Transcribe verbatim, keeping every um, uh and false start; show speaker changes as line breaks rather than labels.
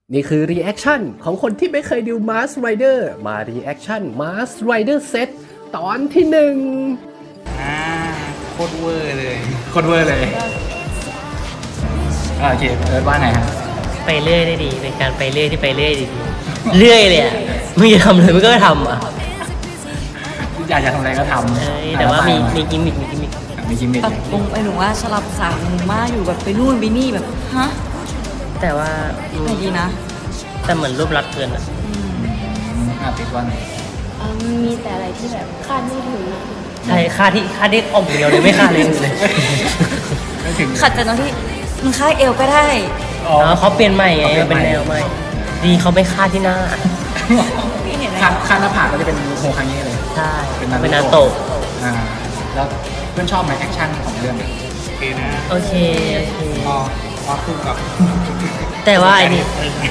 นี่คือรีแอคชั่นของคนที่ไม่เคยดู Mask Rider มารีแอคชั่น Mask Rider Set ตอนที่หนึ่ง
อ่าโคตรเวอร์เลยโคตรเวอร์เลยอ่าโอเคเอิร์ธว่าไงฮะ
ไปเรื่อยได้ดีเป็นการไปเรื่อยที่ไปเรื่อยดีเรื่อยเลยอ่ะมึงจะทำเลยมึงก็ไม่ทำอ่ะ
อยากจะทำอะไรก็ทำ
เอ้ยแต่ว่ามีมีกิมมิคมีกิมมิค
มีกิมมิค
แบบงงไอ้หนูว่าสลับสามมากอยู่แบบไปนู่นไปนี่แบบฮะ
แต่ว่าอืม
ไม่ดีนะ
แต่เหมือนรูปลักษณ์เกินอ่ะ
อ่าติดว่าไง
เอ่อมันมีแต่อะไรที่แบบคาดไม่ถึงอะ
ใช่ค่าที่ค่าที่ออกเดียวเลยไม่ค่าเลยเลย
ไม่ถึง
ขัดแต่ตรงที่มันค่ายเอวก็ได้
อ๋อ
อ๋อเขาเปลี่ยนใหม่ไงเป็นแนวใหม่ดีเขาไม่ค่าที่หน้า
พี่เห็นไหม
ข้างข้างหน้าผากก็จะเป็นโฮคังเย่เลย
ใช่
เป็นนา
เป็น
รู
นา
โตะ
โตะ
อ่าแล้วเพื่อนชอบไหมแอคชั่นของเรื่องโอเคนะ
โอเคโอเค
พอพอคู่กับ
แต่ว่าไอ้นี่